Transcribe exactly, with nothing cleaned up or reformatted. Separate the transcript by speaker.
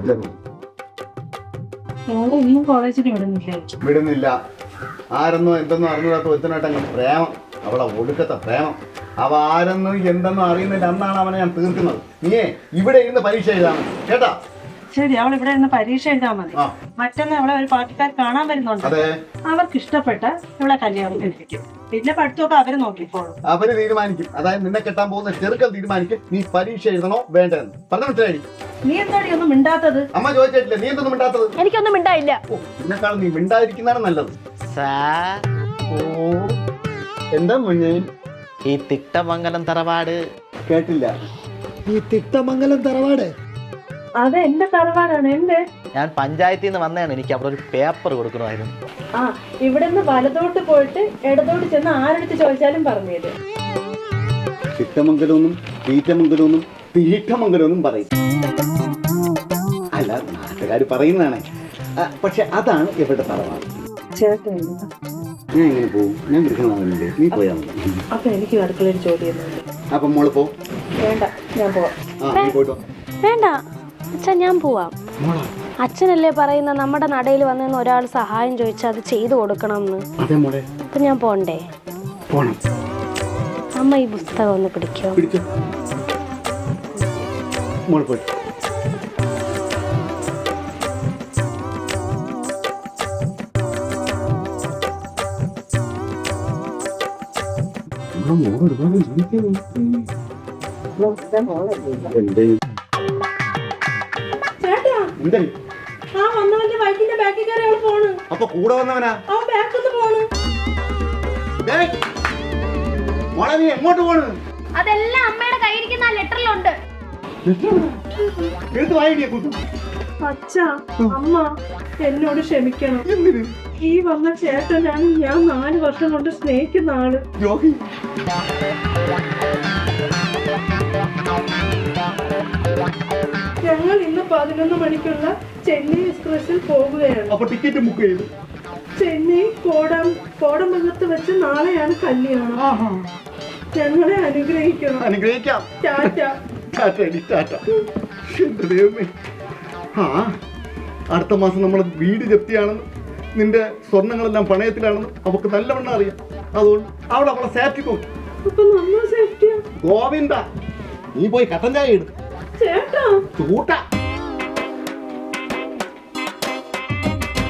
Speaker 1: ഇന്നും കോളേജിൽ വിടുന്നില്ലേ?
Speaker 2: വിടുന്നില്ല. ആരെന്നോ എന്തെന്നോ അറിഞ്ഞൂടാത്ത ഒരുത്തനായിട്ടങ്ങ് പ്രേമം, അവളെ ഒടുക്കത്തെ പ്രേമം. അവ ആരെന്നോ എന്തെന്നോ അറിയുന്നില്ല. അന്നാണ് അവനെ ഞാൻ തീർക്കുന്നത്. നീയേ ഇവിടെ ഇരുന്ന് പരീക്ഷ എഴുതാണ് കേട്ടാ?
Speaker 1: ശരി, അവൾ ഇവിടെ ഇരുന്ന് പരീക്ഷ എഴുതാൻ മതി. മറ്റൊന്ന് അവളെ ഒരു പാർട്ടിക്കാർ കാണാൻ വരുന്നുണ്ട്. അവർക്ക് ഇഷ്ടപ്പെട്ട ഇവളെ കല്യാണം കഴിപ്പിക്കും. പിന്നെ പഠിത്തമൊക്കെ അവര് നോക്കിക്കോളും.
Speaker 2: അവര് തീരുമാനിക്കും. അതായത് നിന്നെ കെട്ടാൻ പോകുന്ന ചെറുക്കൽ തീരുമാനിക്കും നീ പരീക്ഷ എഴുതണോ വേണ്ടെന്ന്. പറഞ്ഞു മനസ്സിലായി?
Speaker 1: നീ എന്താടി ഒന്നും മിണ്ടാത്തത്?
Speaker 2: അമ്മ ചോദിച്ചിട്ടില്ല, നീ എന്തൊന്നും മിണ്ടാത്തത്?
Speaker 3: എനിക്കൊന്നും മിണ്ടായില്ല.
Speaker 2: എന്നെക്കാളും നീ മിണ്ടാതിരിക്കുന്നതാണ് നല്ലത്. ഓ എന്താ മുന്നേ
Speaker 4: ഈ തിട്ടമംഗലം തറവാട്
Speaker 2: കേട്ടില്ല? ഈ തിട്ടമംഗലം തറവാട്
Speaker 1: അത് എന്റെ തറവാടാണ്. എന്റെ
Speaker 4: ഞാൻ പഞ്ചായത്തിൽ നിന്ന് വന്നതാണ്. എനിക്ക് അവിടെ ഒരു പേപ്പർ കൊടുക്കണമായിരുന്നു.
Speaker 1: ആ ഇവിടുന്ന് വലതോട്ട് പോയിട്ട് ഇടതോട്ട് ചെന്ന് ആരെടുത്ത് ചോദിച്ചാലും പറഞ്ഞു തരും.
Speaker 2: തിട്ടമംഗലമൊന്നും തീറ്റമംഗലമൊന്നും തീറ്റമംഗലമൊന്നും പറയും. അല്ല, നാട്ടുകാർ പറയുന്നതാണ്. പക്ഷെ അതാണ് ഇവരുടെ തറവാട്.
Speaker 1: ചേട്ടൻ
Speaker 2: ഞാൻ എങ്ങനെ പോകും? ഞാൻ വിളിക്കണമെന്നില്ലേ? നീ പോയാ മതി.
Speaker 1: അപ്പൊ എനിക്ക് അടുക്കളയിൽ ജോലി ചെയ്യുന്നുണ്ട്.
Speaker 2: അപ്പൊ മോള് പോ.
Speaker 1: വേണ്ട, ഞാൻ പോവാം.
Speaker 2: ആ നീ പോയിട്ടോ.
Speaker 3: വേണ്ട അച്ഛൻ, ഞാൻ പോവാം. അച്ഛനല്ലേ പറയുന്ന നമ്മുടെ നടയിൽ വന്നെന്ന് ഒരാൾ സഹായം ചോദിച്ചാൽ അത് ചെയ്തു കൊടുക്കണം എന്ന്. അപ്പൊ ഞാൻ പോണ്ടേ? അമ്മ ഈ പുസ്തകം ഒന്ന് പിടിക്കോ?
Speaker 2: അപ്പൊ കൂടെ വന്നവനാ? മോളെ നീ എങ്ങോട്ട് പോണ്?
Speaker 3: അതെല്ലാം അമ്മയുടെ കയ്യിരിക്കുന്ന ലെറ്ററിലുണ്ട്.
Speaker 2: എടുത്ത് വായിടിയെ കൂട്ടും.
Speaker 1: അച്ഛാ, അമ്മ എന്നോട് ക്ഷമിക്കണം. ഈ വന്ന ചേട്ടനാണ് ഞാൻ നാല് വർഷം കൊണ്ട് സ്നേഹിക്കുന്ന ആള്.
Speaker 2: യോഗി
Speaker 1: ഞങ്ങൾ ഇന്ന് പതിനൊന്ന് മണിക്കുള്ള ചെന്നൈ എക്സ്പ്രസിൽ പോകുകയാണ്.
Speaker 2: അപ്പൊ ടിക്കറ്റ് ബുക്ക് ചെയ്തു.
Speaker 1: ചെന്നൈ കോടം കോടമംഗലത്ത് വെച്ച് നാളെയാണ് കല്യാണം. ഞങ്ങളെ അനുഗ്രഹിക്കണം.
Speaker 2: അനുഗ്രഹിക്കാം.
Speaker 1: ടാറ്റ.
Speaker 2: ആ അടുത്ത മാസം നമ്മുടെ വീട് ജപ്തിയാണെന്ന്, നിന്റെ സ്വർണങ്ങളെല്ലാം പണയത്തിലാണെന്ന് അവക്ക് നല്ലവണ്ണം അറിയാം. അതുകൊണ്ട് അവിടെ അവളെ സേഫ്റ്റി നോക്കും.
Speaker 1: അപ്പൊ നമ്മൾ സേഫ്റ്റിയാ?
Speaker 2: ഗോവിന്ദ, നീ പോയി കട്ടൻ ചായ ഇടും.
Speaker 1: ചേട്ടാ
Speaker 2: ചൂട്ട